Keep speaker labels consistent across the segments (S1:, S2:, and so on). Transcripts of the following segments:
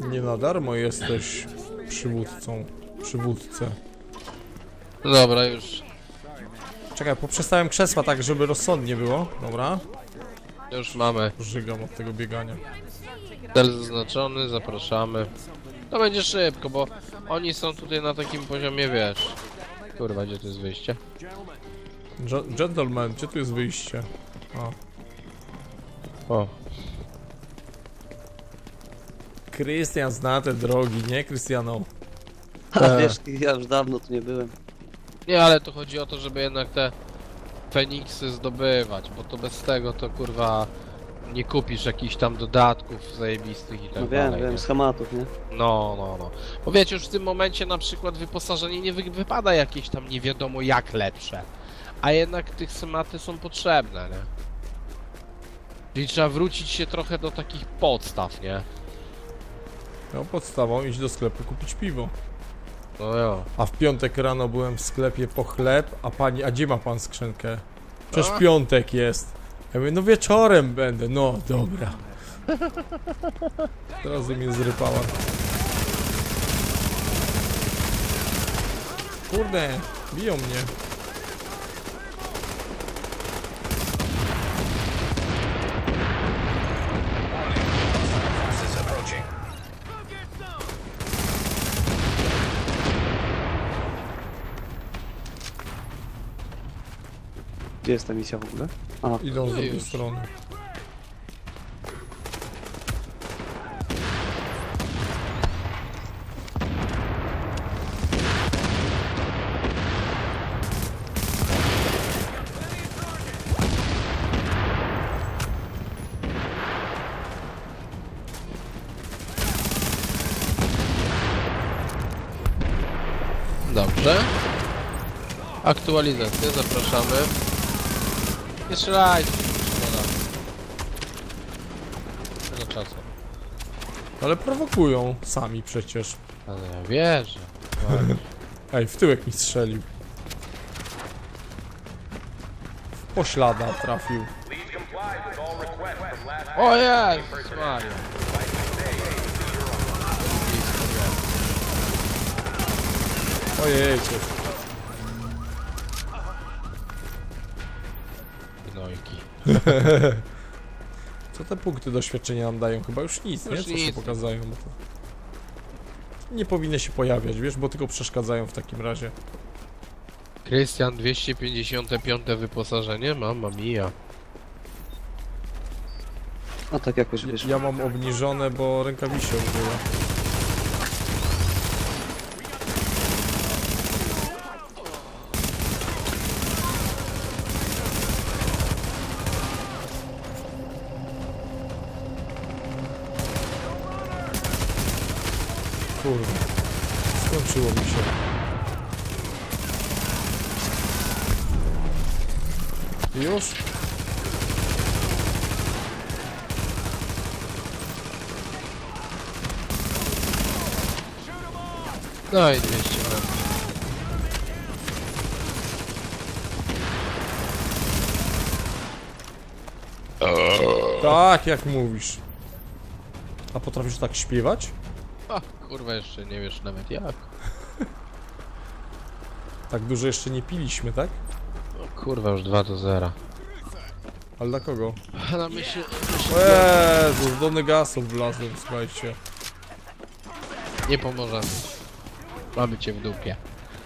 S1: Nie na darmo jesteś przywódcą. Przywódcę.
S2: Dobra, już.
S1: Czekaj, poprzestałem krzesła tak, żeby rozsądnie było. Dobra.
S2: Już mamy.
S1: Żygam od tego biegania.
S2: Cel zaznaczony, zapraszamy. To będzie szybko, bo oni są tutaj na takim poziomie, wiesz. Kurwa, gdzie to jest wyjście?
S1: Gentleman, gdzie tu jest wyjście?
S2: O.
S1: Krystian zna te drogi, nie Krystiano?
S3: A wiesz, ja już dawno tu nie byłem.
S2: Nie, ale tu chodzi o to, żeby jednak te Feniksy zdobywać, bo to bez tego to kurwa nie kupisz jakichś tam dodatków zajebistych i tak
S3: No
S2: dalej.
S3: wiem,
S2: nie?
S3: schematów, nie?
S2: No. Bo wiecie, już w tym momencie na przykład wyposażenie nie wypada jakieś tam nie wiadomo jak lepsze. A jednak tych schematy są potrzebne, nie? Czyli trzeba wrócić się trochę do takich podstaw, nie?
S1: No podstawą iść do sklepu kupić piwo.
S2: No jo.
S1: A w piątek rano byłem w sklepie po chleb, a gdzie ma pan skrzynkę? Przecież
S2: A?
S1: piątek jest. Ja mówię, no wieczorem będę, no dobra. Teraz mnie zrypała. Kurde, biją mnie.
S3: Gdzie jest ta misja w ogóle? A,
S1: Idą z
S2: No
S1: drugiej
S2: już.
S1: strony.
S2: Dobrze. Aktualizację, zapraszamy. Nie strzelajcie, szkoda. Tego czasu.
S1: Ale prowokują sami przecież.
S2: Ale ja wierzę.
S1: Ej, w tyłek mi strzelił. W poślada trafił.
S2: O Jezus Maria.
S1: Ojejcie.
S2: Gnojki.
S1: Co te punkty doświadczenia nam dają? Chyba już nic,
S2: Już
S1: nie? Co się
S2: nic.
S1: pokazają? Bo to... Nie powinny się pojawiać, wiesz, bo tylko przeszkadzają w takim razie.
S2: Krystian, 255 wyposażenie? Mamma mia.
S3: a tak jakoś wyszło.
S1: Ja mam obniżone, bo rękawice użyła. Kurde, skończyło mi się. Już?
S2: No i 200 metrów.
S1: Tak, jak mówisz. A potrafisz tak śpiewać?
S2: A, kurwa, jeszcze nie wiesz nawet jak.
S1: Tak dużo jeszcze nie piliśmy, tak?
S2: No, kurwa, już 2-0.
S1: Ale dla kogo?
S2: Na myśl...
S1: Jezus, do negasów wlazłem, słuchajcie.
S2: Nie pomożemy. Mamy cię w dupie.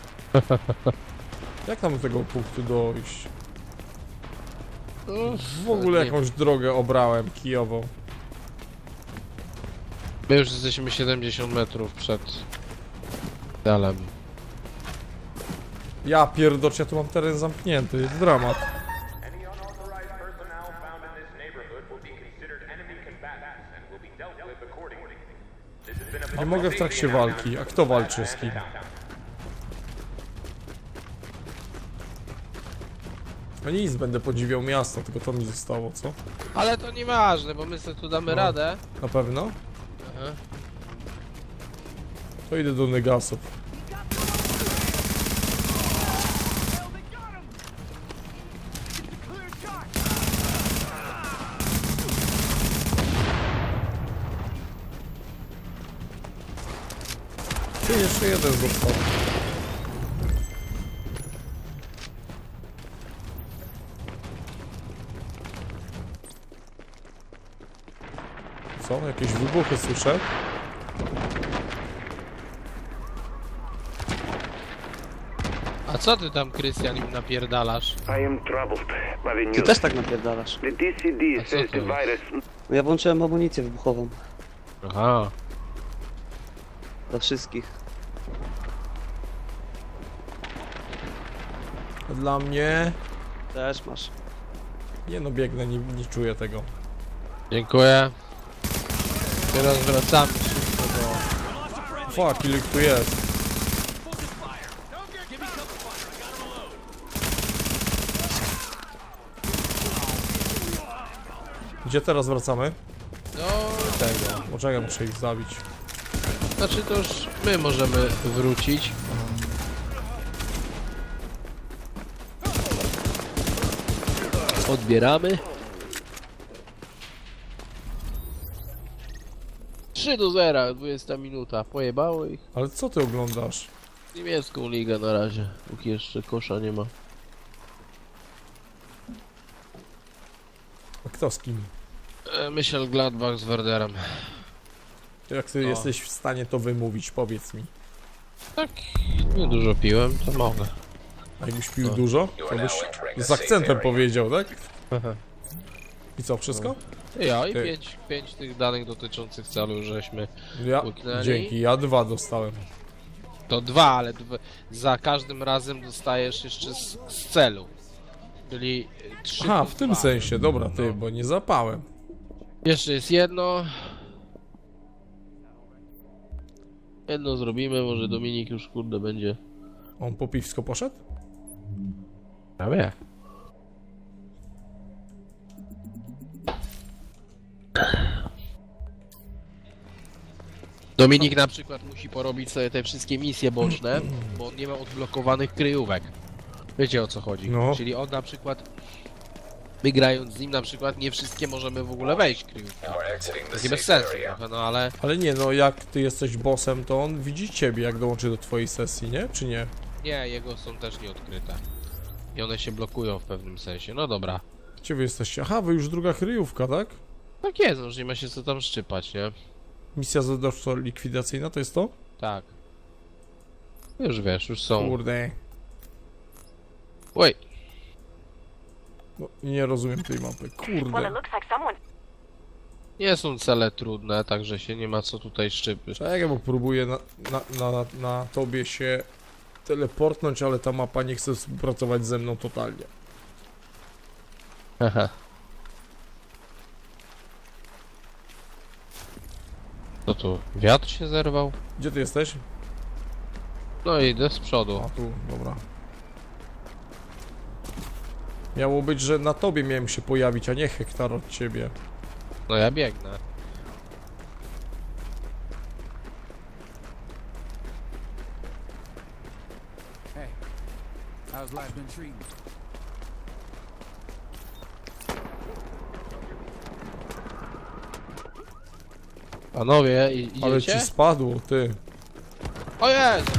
S1: Jak tam do tego punktu dojść?
S2: Uff,
S1: W ogóle
S2: nie.
S1: jakąś drogę obrałem, kijową.
S2: My już jesteśmy 70 metrów przed dalem.
S1: Ja pierdocz, ja tu mam teren zamknięty, jest dramat.
S4: Any unauthorized personnel found in this neighborhood will be considered enemy combatants and will be dealt with accordingly. This has been a
S1: Nie mogę w trakcie walki, a kto walczy z kim? No nic, będę podziwiał miasto, tylko to mi zostało, co?
S2: Ale to nieważne, bo my sobie tu damy
S1: No.
S2: radę.
S1: Na pewno?
S2: Aha.
S1: To idę do negasów. Ty, jeszcze jeden został. Co? Jakieś wybuchy słyszę?
S2: A co ty tam, Krystian, im napierdalasz?
S5: I am troubled by the
S3: Ty
S5: news.
S3: też tak napierdalasz.
S5: The DCD
S2: A co
S5: says
S2: to
S5: the
S2: jest?
S5: virus.
S3: No ja włączyłem amunicję wybuchową.
S2: Aha.
S3: Dla wszystkich.
S1: A dla mnie...
S3: Też masz.
S1: Nie no, biegnę, nie czuję tego.
S2: Dziękuję. Teraz wracamy szybko do...
S1: Fuck, ile ich tu jest? Gdzie teraz wracamy?
S2: Do tego.
S1: Poczekaj, muszę ich zabić.
S2: Znaczy to już my możemy wrócić. Odbieramy. 3-0, 20 minuta. Pojebało ich.
S1: Ale co ty oglądasz?
S2: Niemiecką ligę na razie, póki jeszcze kosza nie ma.
S1: A kto z kim?
S2: Michel Gladbach z Werderem.
S1: Jak ty
S2: No.
S1: jesteś w stanie to wymówić, powiedz mi.
S2: Tak, nie dużo piłem, to mogę.
S1: A jakbyś pił
S2: No.
S1: dużo, to byś z akcentem powiedział, tak? I co, wszystko?
S2: Ja i
S1: Ty.
S2: 5 tych danych dotyczących celu żeśmy.
S1: Ja,
S2: Łyknęli.
S1: dzięki, ja 2 dostałem.
S2: To 2, ale za każdym razem dostajesz jeszcze z celu. Czyli 3.
S1: Aha, w tym sensie, dobra ty, bo nie zapałem.
S2: Jeszcze jest jedno. Jedno zrobimy, może Dominik już kurde będzie.
S1: On po piwsko poszedł?
S2: Ja wiem. Dominik na przykład musi porobić sobie te wszystkie misje boczne, bo on nie ma odblokowanych kryjówek. Wiecie o co chodzi?
S1: No.
S2: Czyli on na przykład, my grając z nim na przykład nie wszystkie możemy w ogóle wejść w kryjówki. To jest bez sensu trochę, no ale
S1: Ale nie, no jak ty jesteś bossem, to on widzi ciebie, jak dołączy do twojej sesji, nie? Czy nie?
S2: nie, jego są też nieodkryte. I one się blokują w pewnym sensie. No dobra.
S1: Gdzie wy jesteście? Aha, wy już druga kryjówka, tak?
S2: Tak jest, no, już nie ma się co tam szczypać, nie?
S1: Misja zadawczo likwidacyjna, to jest to?
S2: Tak. Już wiesz, już są.
S1: Kurde.
S2: Oj,
S1: No, nie rozumiem tej mapy,
S6: Well, it
S1: kurde.
S6: looks like someone.
S2: nie są cele trudne, także się nie ma co tutaj szczypać.
S1: Czekaj, bo próbuję na tobie się teleportnąć, ale ta mapa nie chce współpracować ze mną totalnie.
S2: Haha. Co tu? Wiatr się zerwał?
S1: Gdzie ty jesteś?
S2: No idę z przodu.
S1: A tu, dobra. Miało być, że na tobie miałem się pojawić, a nie hektar od ciebie.
S2: No ja biegnę.
S7: How's life been treating you?
S2: Panowie,
S1: Ale
S2: idziecie?
S1: ci spadło, ty.
S2: O jest!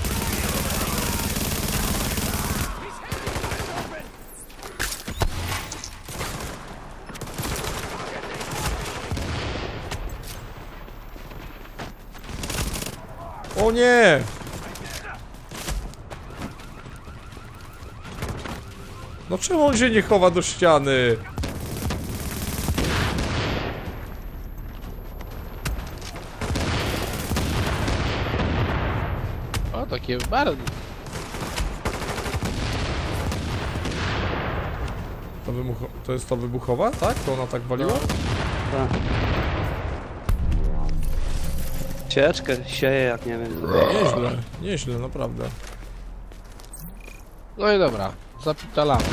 S1: O nie! No czemu on się nie chowa do ściany?
S2: O, takie bardzo.
S1: To jest to wybuchowa, tak? To ona tak waliła?
S3: Tak. Cieczkę sieje jak nie wiem.
S1: Nieźle, nieźle, naprawdę.
S2: No i dobra, zapitalamy.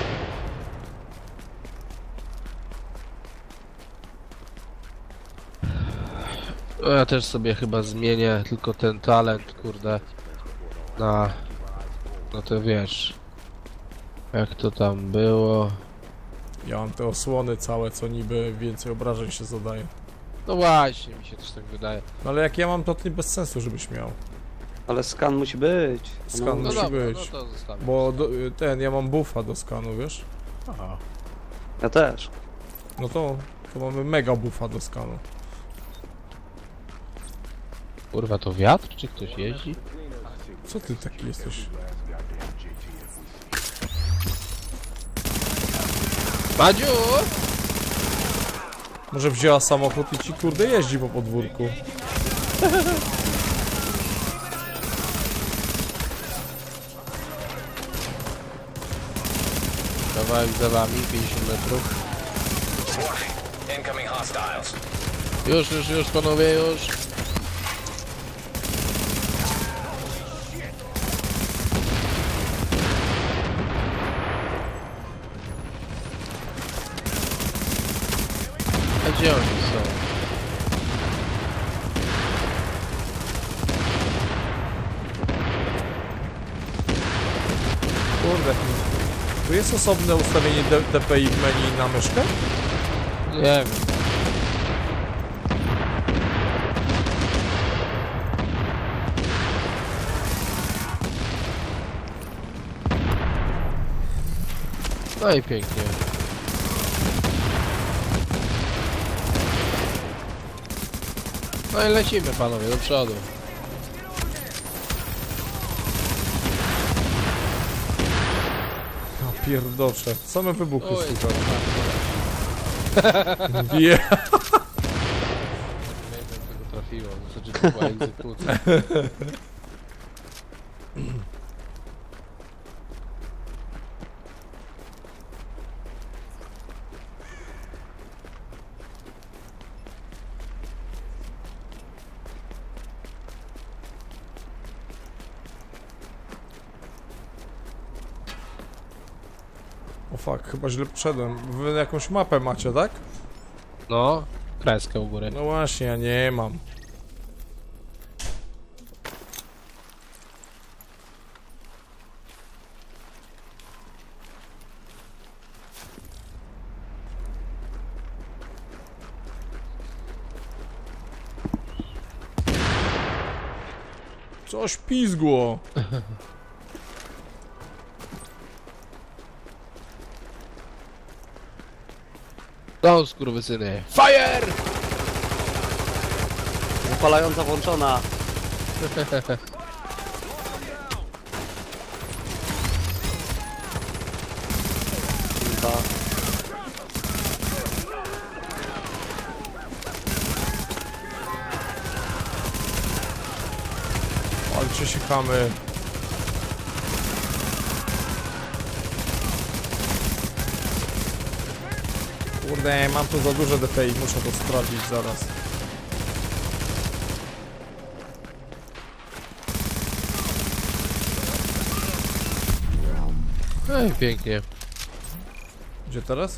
S2: No ja też sobie chyba zmienię tylko ten talent, kurde, na... No to wiesz, jak to tam było.
S1: Ja mam te osłony całe, co niby więcej obrażeń się zadaje.
S2: No właśnie, mi się też tak wydaje.
S1: No ale jak ja mam, to nie bez sensu, żebyś miał.
S3: Ale skan musi być.
S1: Skan
S2: No
S1: musi
S2: dobra,
S1: być.
S2: no to zostawiam.
S1: Bo ja mam buffa do skanu, wiesz?
S2: Aha.
S3: Ja też.
S1: No to mamy mega buffa do skanu.
S2: Kurwa, to wiatr, czy ktoś jeździ?
S1: Co ty taki jesteś?
S2: Madziu!
S1: Może wzięła samochód i ci kurde jeździ po podwórku.
S2: Kawałek za wami, 50 metrów.
S6: Incoming hostiles.
S2: Już, panowie, już. A gdzie oni są?
S1: Kurde. Tu jest osobne ustawienie DPI w menu na myszkę?
S2: Nie wiem. No i pięknie. No i lecimy, panowie, do przodu.
S1: Ja pierdocze. Same wybuchy
S2: Oj,
S1: słychać.
S2: tak.
S1: Nie.
S2: Nie wiem, jak tego trafiło, znaczy to była egzekucja.
S1: O fuck, chyba źle wszedłem. Wy jakąś mapę macie, tak?
S2: No, kreskę u góry.
S1: No właśnie, ja nie mam. Coś pizgło.
S2: No, skurwysyny. Fire!
S3: Zapalająca włączona. Chyba.
S1: Walcie się chamy. Kurde, mam tu za duże DPI, muszę to sprawdzić zaraz.
S2: No i pięknie.
S1: Gdzie teraz?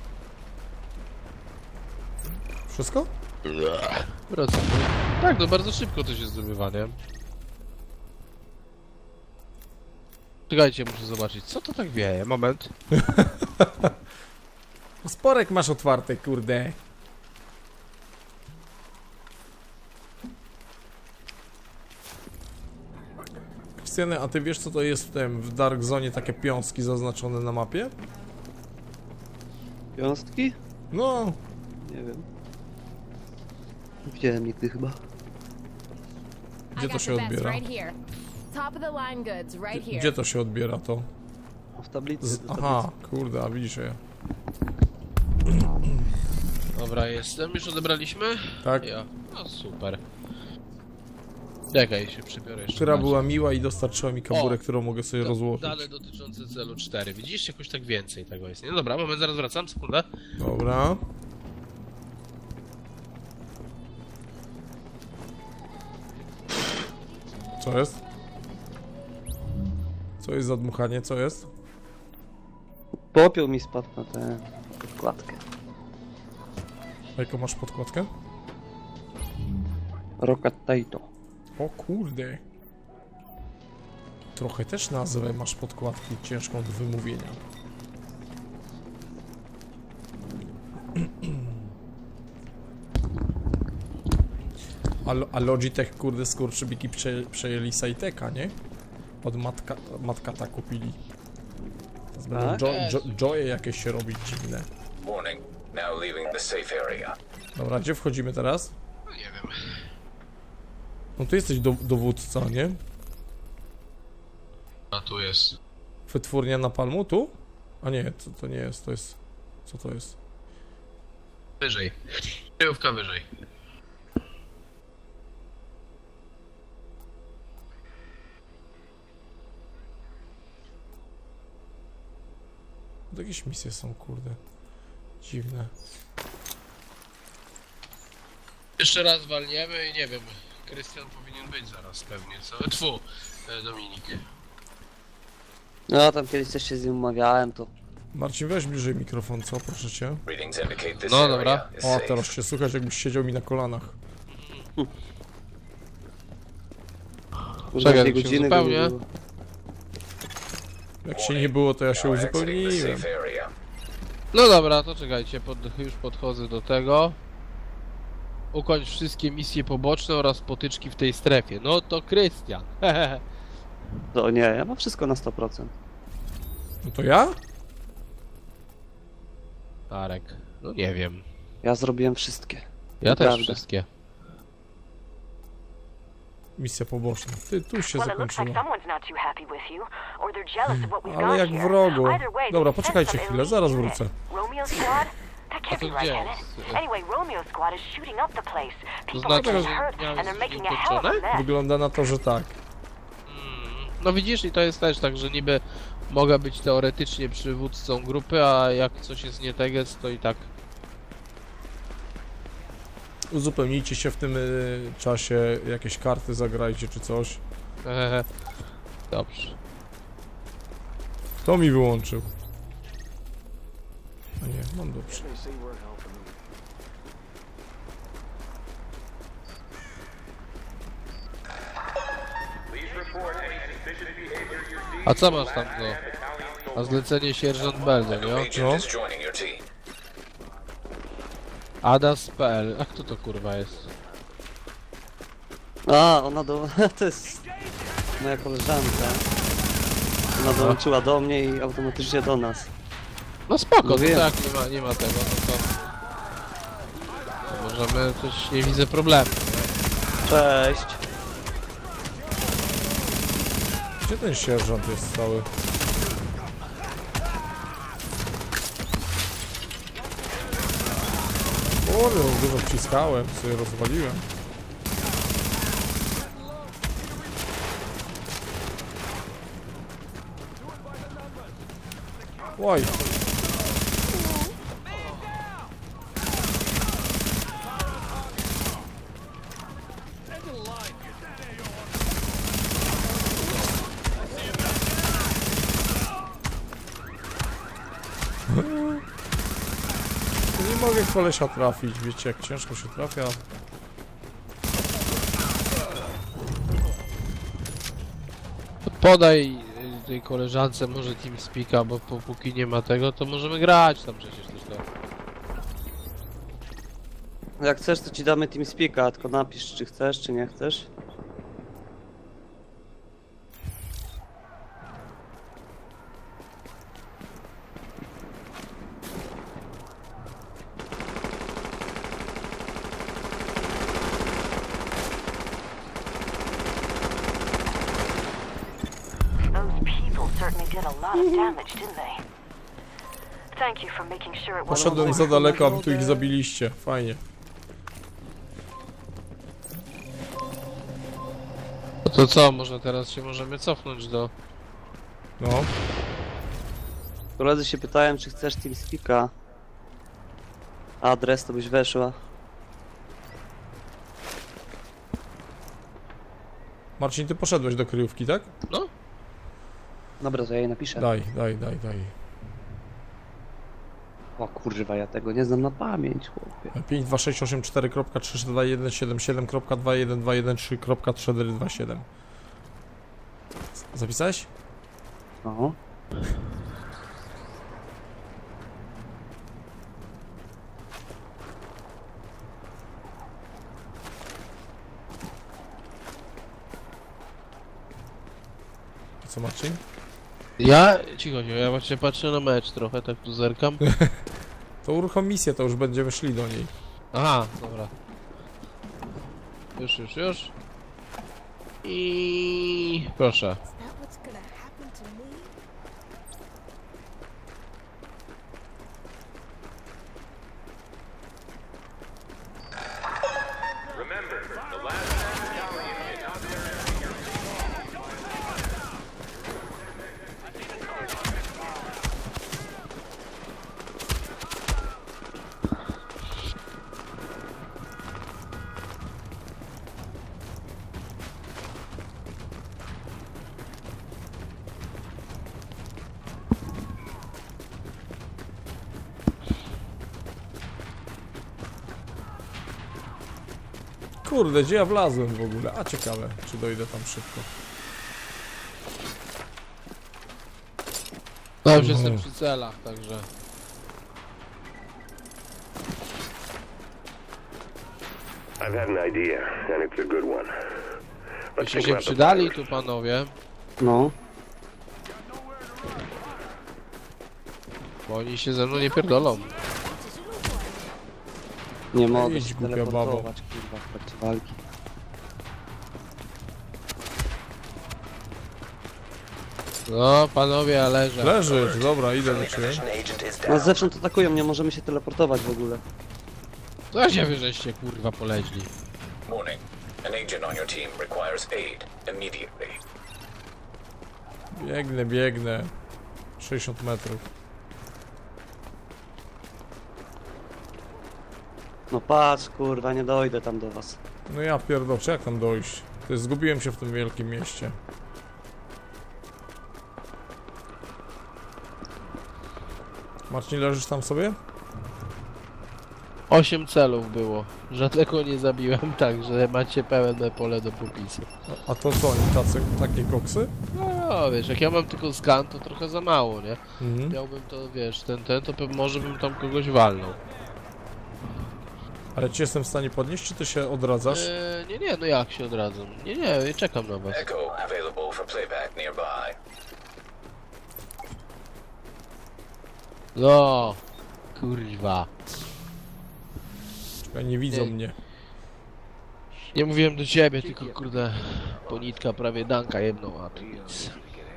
S1: Wszystko?
S2: Wracamy. Tak, no bardzo szybko to się zdobywa, nie? Czekajcie, muszę zobaczyć, co to tak wieje. Moment.
S1: Sporek masz otwarty, kurde. Krystiany, a ty wiesz co to jest w Dark Zone takie piąski zaznaczone na mapie?
S3: Wiązki?
S1: No,
S3: Nie wiem. Widziałem nigdy chyba.
S1: gdzie to się odbiera?
S7: Top of the line goods right here.
S1: Gdzie to się odbiera to?
S3: W tablicy. do
S1: Aha, kurde, a widzisz je.
S2: Dobra, jestem. Już odebraliśmy?
S1: Tak?
S2: Ja. No super. Czekaj, się przybiorę jeszcze.
S1: Która
S2: bardziej.
S1: była miła i dostarczyła mi kaburę,
S2: O!
S1: którą mogę sobie
S2: Da-
S1: rozłożyć.
S2: Dane dotyczące celu 4. Widzisz? Jakoś tak więcej tego jest, nie? Dobra, moment, zaraz wracam, sekundę.
S1: Dobra. Co jest? Co jest za dmuchanie? Co jest?
S3: Popiół mi spadł na tę podkładkę.
S1: Jaką masz podkładkę?
S3: Rockatato.
S1: O kurde. Trochę też nazwę masz podkładki ciężką do wymówienia. A Logitech, kurde, skurczybiki przejęli Saiteka, nie? Od matka kupili. Teraz będą
S3: Tak?
S1: joye jakieś się robić dziwne.
S6: Warning. Now leaving the safe area.
S1: Dobra, gdzie wchodzimy teraz?
S2: No nie wiem.
S1: No tu jesteś dowódca, nie?
S2: A tu jest.
S1: Wytwórnia napalmu, tu? A nie, to nie jest, to jest... Co to jest?
S2: Wyżej. Kryjówka wyżej.
S1: To jakieś misje są, kurde. Dziwne.
S2: Jeszcze raz walniemy i nie wiem. Krystian powinien być zaraz pewnie, co? Tfu, Dominik.
S3: No tam kiedyś też się z nim umawiałem, to...
S1: Marcin, weź bliżej mikrofon, co? Proszę cię.
S6: Readings indicate this
S2: No,
S6: area
S2: dobra.
S6: is
S1: O,
S6: safe.
S1: teraz się słychać, jakbyś siedział mi na kolanach.
S3: Kurde,
S2: Czekaj,
S3: 2
S2: się
S3: godziny go nie
S2: uzupełnię.
S3: było.
S1: Jak się nie było, to ja się
S6: Now exiting the
S1: uzupełniłem.
S6: safe area.
S2: No dobra, to czekajcie, już podchodzę do tego. Ukończ wszystkie misje poboczne oraz potyczki w tej strefie. No to Krystian.
S3: To nie, ja mam wszystko na 100%.
S1: No to ja?
S2: Arek. No nie wiem.
S3: Ja zrobiłem wszystkie.
S2: Ja też
S3: Naprawdę.
S2: wszystkie.
S1: Misja poboczna. Ty, tu się
S8: Well, it looks like
S1: zakończyła.
S8: someone's not too happy with you, or they're jealous of what we've
S1: Ale
S8: got
S1: jak
S8: here.
S1: wrogo.
S8: Either way,
S1: Dobra,
S8: they
S1: poczekajcie
S8: sent some
S1: chwilę,
S8: elite
S1: zaraz
S8: unit.
S1: wrócę.
S8: Romeo Squad? That
S2: A
S8: can't
S2: to
S8: be right,
S2: gdzie
S8: can
S2: jest?
S8: it? Anyway, Romeo Squad is shooting up the place. People
S2: znaczy,
S8: are
S2: że
S8: getting hurt,
S2: miałem
S8: and they're making a hell of a
S2: ukończone?
S8: mess.
S1: Wygląda na to, że tak.
S2: No widzisz, i to jest też tak, że niby mogę być teoretycznie przywódcą grupy, a jak coś jest nie teges, to i tak.
S1: Uzupełnijcie się w tym czasie, jakieś karty zagrajcie czy coś.
S2: Dobrze.
S1: Kto mi wyłączył? A nie, mam dobrze.
S4: Please report any suspicious behavior you see.
S2: A co masz tam do...
S4: Battalion
S2: A zlecenie sierżant Belde, nie?
S6: Agent
S1: No.
S6: is joining your team.
S2: Adas.pl. A kto to kurwa jest?
S3: A, ona do... to jest... moja koleżanka. Ona dołączyła do mnie i automatycznie do nas.
S2: No spoko, to
S3: Mówiłem.
S2: tak, nie ma tego, no to możemy, też nie widzę problemu.
S3: Cześć.
S1: Gdzie ten sierżant jest cały? Kurde, dużo wciskałem, sobie rozwaliłem. Oj. Nie mogę kolesia trafić, wiecie jak ciężko się trafia.
S2: Podaj tej koleżance może TeamSpeaka, bo póki nie ma tego, to możemy grać tam przecież też to.
S3: Jak chcesz, to ci damy TeamSpeaka, tylko napisz, czy chcesz, czy nie chcesz.
S8: Those people certainly did a lot of damage, didn't they? Thank you for making sure it wasn't...
S1: Poszedłem za daleko, a wy tu ich zabiliście. Fajnie.
S2: No to co, może teraz się możemy cofnąć do...
S1: No.
S3: Koledzy się pytałem, czy chcesz TeamSpeaka. Adres to byś weszła.
S1: Marcin, ty poszedłeś do kryjówki, tak?
S2: No?
S3: Dobra, to ja jej napiszę.
S1: Daj.
S3: O kurwa, ja tego nie znam na pamięć, chłopie.
S1: 52684.32177.21213.427. Zapisałeś?
S3: No.
S1: Co Marcin?
S2: Ja? Cicho, ja właśnie patrzę na mecz trochę, tak tu zerkam.
S1: To uruchom misję, to już będziemy szli do niej.
S2: Aha, dobra. Już. I proszę.
S4: Remember, the last battalion is out there.
S1: Kurde, gdzie ja wlazłem w ogóle? A ciekawe, czy dojdę tam szybko.
S2: No już jestem przy celach, także...
S5: I've had an idea, and it's a good one. Let's
S2: Byście
S5: think
S2: się
S5: about the
S2: przydali
S5: fires.
S2: tu, panowie,
S3: No.
S2: bo oni się ze mną nie pierdolą.
S3: Nie mogę
S1: Idź,
S3: się
S1: głupia
S3: teleportować, kurwa, w trakcie walki.
S2: No, panowie, ja leżę.
S1: Leżysz, dobra, idę do ciebie.
S3: No zewsząd atakują, nie możemy się teleportować w ogóle.
S2: Co się wy żeście, kurwa, poleźli?
S6: Warning. An agent on your team requires aid immediately.
S1: Biegnę. 60 metrów.
S3: No patrz, kurwa, nie dojdę tam do was.
S1: No ja pierdolę, jak tam dojść? To jest, zgubiłem się w tym wielkim mieście. Marcin, leżysz tam sobie?
S2: 8 celów było. Żadnego nie zabiłem, także macie pełne pole do popisu.
S1: A to co, oni takie koksy?
S2: No, wiesz, jak ja mam tylko skan, to trochę za mało, nie?
S1: Mhm.
S2: Miałbym to, wiesz, to może bym tam kogoś walnął.
S1: Ale ci jestem w stanie podnieść, czy ty się odradzasz?
S2: Nie, no jak się odradzam? Nie, czekam na was.
S6: Echo available for playback nearby.
S2: No, kurwa.
S1: Czekaj, nie widzą
S2: Nie.
S1: mnie.
S2: Nie mówiłem do ciebie, tylko kurde, ponitka prawie danka jedną, a tu nic.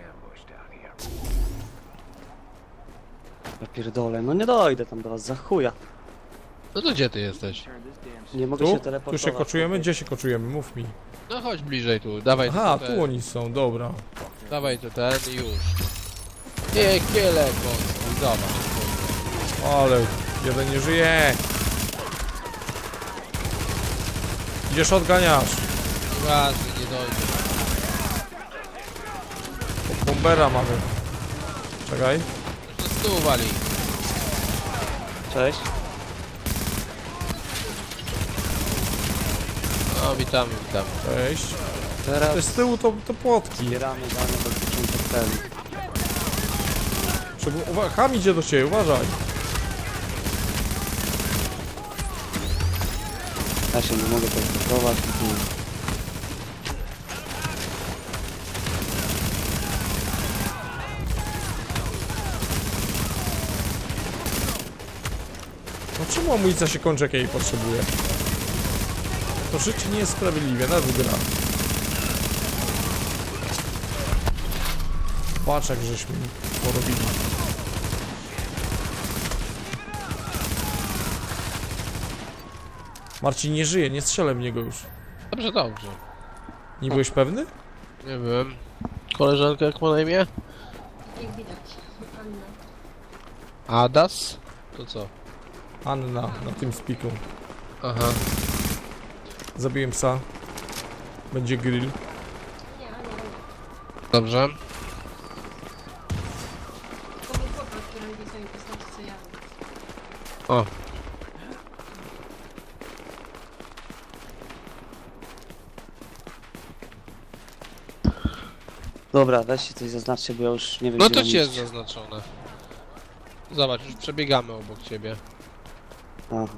S3: Ja pierdolę, no nie dojdę tam do was, za chuja.
S2: No to gdzie ty jesteś?
S3: Nie mogę
S1: Tu?
S3: się
S1: Tu
S3: teleportować.
S1: się koczujemy? Gdzie się koczujemy? Mów mi.
S2: No chodź bliżej tu, dawaj
S1: Aha,
S2: to
S1: tu oni są, dobra.
S2: Dawaj to ten i już. Nie, kiele, bo zobacz.
S1: Ale jeden nie żyje. Idziesz, odganiasz.
S2: Ważny, nie dojdzie.
S1: Bombera mamy. Czekaj.
S2: To z tyłu wali.
S3: Cześć.
S2: No, witamy.
S1: Cześć.
S3: Teraz
S1: To z tyłu to płotki.
S3: zbieramy dane dotyczące celu.
S1: Ham idzie do ciebie, uważaj.
S3: Ja się nie mogę teleportować.
S1: No czemu amunicja się kończy, jak ja jej potrzebuję? To życie nie jest sprawiedliwe, nas gra. Patrz, jak żeśmy porobili. Marcin nie żyje, nie strzelę w niego już.
S2: Dobrze.
S1: Nie byłeś pewny?
S2: Nie wiem. Koleżanka jak ma na imię?
S9: Jak widać, Anna.
S2: Adas? To co?
S1: Anna, na tym spiku.
S2: Aha.
S1: Zabiłem psa. Będzie grill.
S9: Nie.
S2: Dobrze.
S9: To był chłopak, który lubi sobie postaci, co ja.
S2: O.
S3: Dobra, weźcie coś zaznaczcie, bo ja już nie wiem,
S2: No
S3: gdzie
S2: to
S3: mam
S2: ci jest
S3: iść.
S2: zaznaczone. Zobacz, już przebiegamy obok ciebie.
S3: Aha.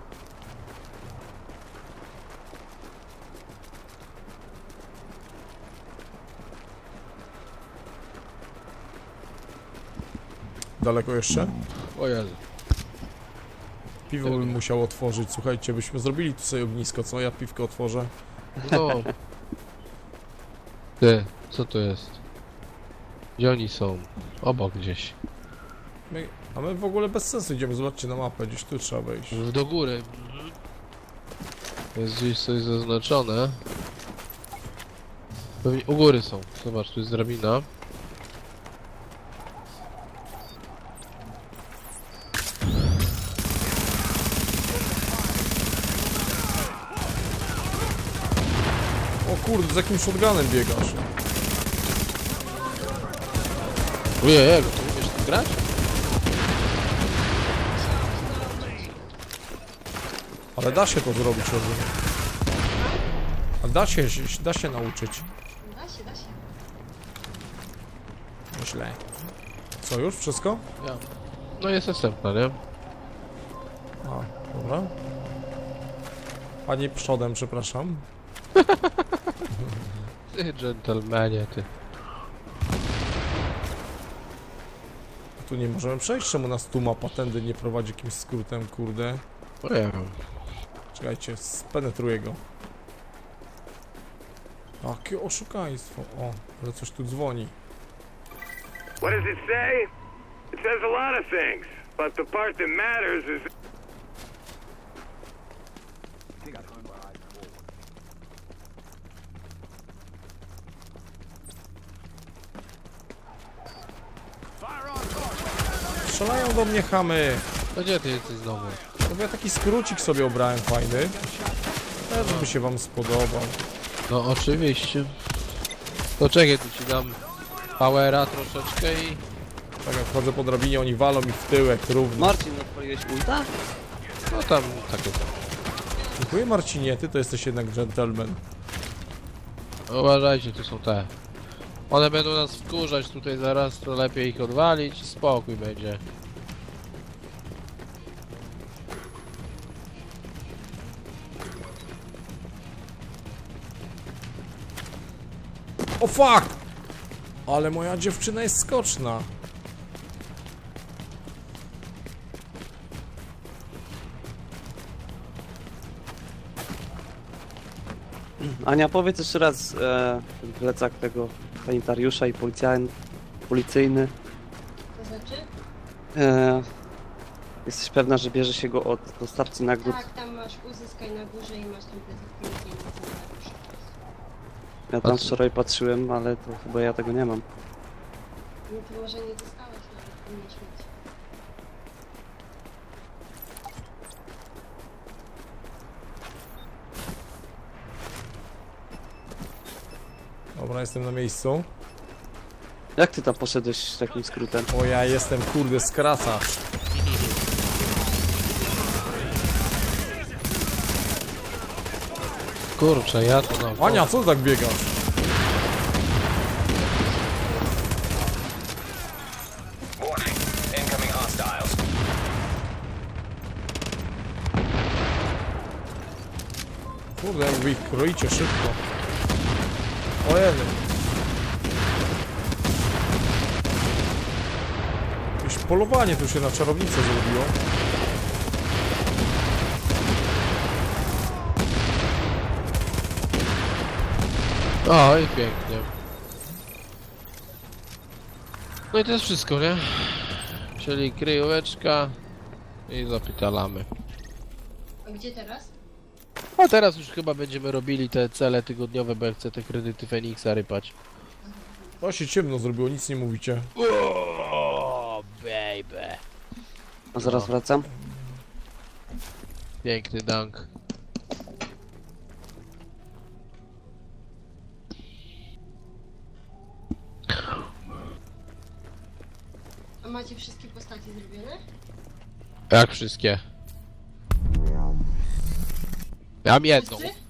S1: daleko jeszcze?
S2: O Jezu.
S1: Piwo bym musiał otworzyć, słuchajcie, byśmy zrobili tu sobie ognisko, co? Ja piwko otworzę.
S2: No. Ty, co to jest? Gdzie oni są? Obok gdzieś.
S1: A my w ogóle bez sensu idziemy, zobaczcie na mapę, gdzieś tu trzeba wejść.
S2: Do góry. Jest gdzieś coś zaznaczone. Pewnie u góry są. Zobacz, tu jest drabina.
S1: O kurde, z jakim shotgunem biegasz?
S2: Ojej, to umiesz tu grać?
S1: Ale da się to zrobić, rozumiem. A da się nauczyć.
S9: Da się.
S1: Myślę. Co, już? Wszystko?
S2: Ja. No jest następna, nie?
S1: A, dobra. Panie przodem, przepraszam.
S2: Ty, dżentelmenie, ty.
S1: Tu nie możemy przejść, czemu nas tu mapa tędy nie prowadzi jakimś skrótem, kurde.
S2: Ojej.
S1: Czekajcie, spenetruję go. Jakie oszukaństwo. O, ale coś tu dzwoni.
S5: What does it say? It says a lot of things, but the part that matters is...
S1: Strzelają do mnie chamy.
S2: No gdzie ty jesteś znowu?
S1: No bo ja taki skrócik sobie obrałem fajny. Też by się wam spodobał.
S2: No oczywiście. To czekaj, tu ci dam powera troszeczkę i...
S1: Tak jak chodzę po drabinie, oni walą mi w tyłek równo.
S3: Marcin, odpaliłeś ulta?
S2: No tam takie to.
S1: Dziękuję Marcinie, ty to jesteś jednak gentleman.
S2: Uważajcie, tu są te. One będą nas wkurzać tutaj zaraz, to lepiej ich odwalić i spokój będzie.
S1: O fuck! Ale moja dziewczyna jest skoczna.
S3: Ania, powiedz jeszcze raz ten plecak tego sanitariusza i policyjny.
S9: To znaczy?
S3: Jesteś pewna, że bierze się go od dostawcy nagród?
S9: Tak, tam masz uzyskaj na górze i masz tam plecak policyjny.
S3: Ja tam wczoraj patrzyłem, ale to chyba ja tego nie mam.
S9: No to może nie dostałeś nawet, powinieneś mieć.
S1: Dobra, jestem na miejscu.
S3: Jak ty tam poszedłeś takim skrótem?
S1: O, ja jestem kurde skracacz.
S2: Kurczę, ja to no.
S1: Ania, co ty tak biegasz?
S6: Warning. Incoming hostiles.
S1: Kurde, jak wy ich kroicie szybko. O jeden. Jakieś polowanie tu się na czarownicę zrobiło.
S2: O, i pięknie. No i to jest wszystko, nie? Czyli kryjóweczka i zapytalamy.
S9: A gdzie teraz?
S2: A teraz już chyba będziemy robili te cele tygodniowe, bo ja chcę te kredyty Feniksa rypać.
S1: O, się ciemno zrobiło, nic nie mówicie.
S2: O, baby.
S3: A zaraz wracam.
S2: Piękny dunk.
S9: A macie wszystkie postacie zrobione?
S2: Jak wszystkie? Ja mam jedną.
S9: Wszyscy?